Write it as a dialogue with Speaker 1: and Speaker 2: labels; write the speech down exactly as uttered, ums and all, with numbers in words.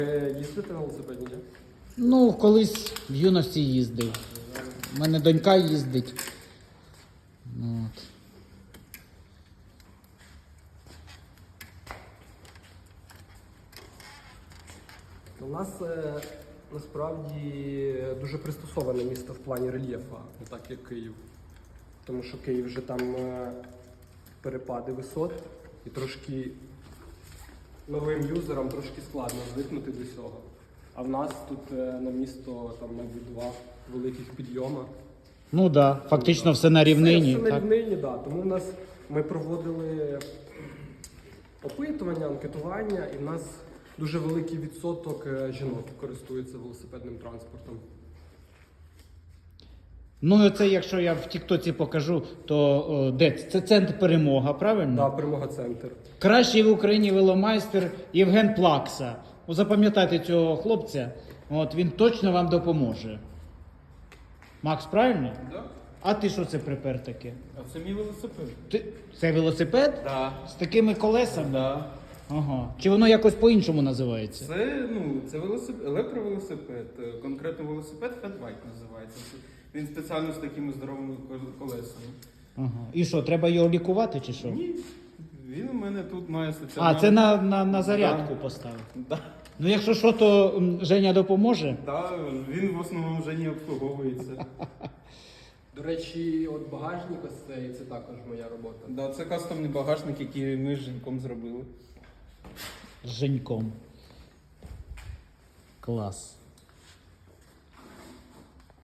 Speaker 1: Ви їздите на велосипеді, ні?
Speaker 2: Ну, колись в юності їздив. У мене донька їздить. Ну, от.
Speaker 1: У нас е, насправді дуже пристосоване місто в плані рельєфу, не так як Київ. Тому що Київ вже там е, перепади висот і трошки новим юзерам трошки складно звикнути до цього. А в нас тут е, на місто там, мабуть, два великих підйома.
Speaker 2: Ну так, да. Фактично все на рівнині.
Speaker 1: Все, все на
Speaker 2: так?
Speaker 1: рівнині, так. Да. Тому в нас ми проводили опитування, анкетування, і в нас дуже великий відсоток е, жінок користується велосипедним транспортом.
Speaker 2: Ну, це якщо я в Тіктоці покажу, то о, де? Це центр Перемога, правильно?
Speaker 1: Так, да, Перемога центр.
Speaker 2: Кращий в Україні веломайстер Євген Плакса. О, запам'ятайте цього хлопця, от він точно вам допоможе. Макс, правильно?
Speaker 3: Да.
Speaker 2: А ти що це припер таке?
Speaker 3: А це мій велосипед.
Speaker 2: Ти... Це велосипед?
Speaker 3: Да.
Speaker 2: З такими колесами?
Speaker 3: Да.
Speaker 2: Ага. Чи воно якось по-іншому називається?
Speaker 3: Це, ну, це велосипед, електровелосипед. Е, Конкретно велосипед Fatbike називається. Він спеціально з такими здоровими кол- колесами.
Speaker 2: Ага. І що, треба його лікувати чи що?
Speaker 3: Ні, він у мене тут має стаціонарну...
Speaker 2: А, це на, на, на зарядку
Speaker 3: Да.
Speaker 2: поставив.
Speaker 3: Да.
Speaker 2: Ну якщо що, то м, Женя допоможе.
Speaker 3: Да, він в основному вже не обслуговується.
Speaker 1: До речі, от багажник ось цей, це також моя робота.
Speaker 3: Да, це кастомний багажник, який ми з Женьком зробили.
Speaker 2: З Женьком. Клас.